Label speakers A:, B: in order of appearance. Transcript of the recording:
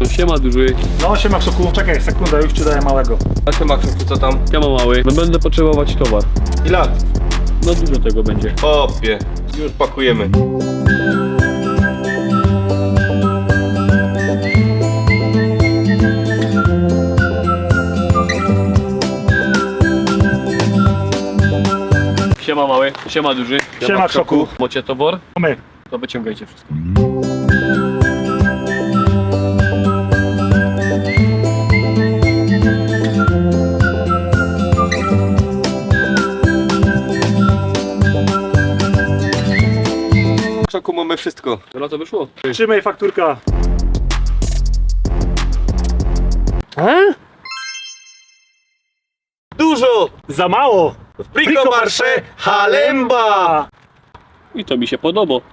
A: Siema duży.
B: No siema Krzoku, czekaj sekundę, już ci daję małego.
C: A siema Krzoku, co tam?
A: Siema mały. Będę potrzebować towar.
C: Ile?
A: No dużo tego będzie.
C: Opie, już pakujemy.
A: Siema mały. Siema duży.
B: Siema Krzoku.
A: Macie towar?
B: My.
A: To wyciągajcie wszystko.
C: Krzoku, mamy wszystko.
A: Dobra, to wyszło.
B: Trzymaj fakturka.
C: Dużo!
B: Za mało.
C: Priko marsze, halemba!
A: I to mi się podoba.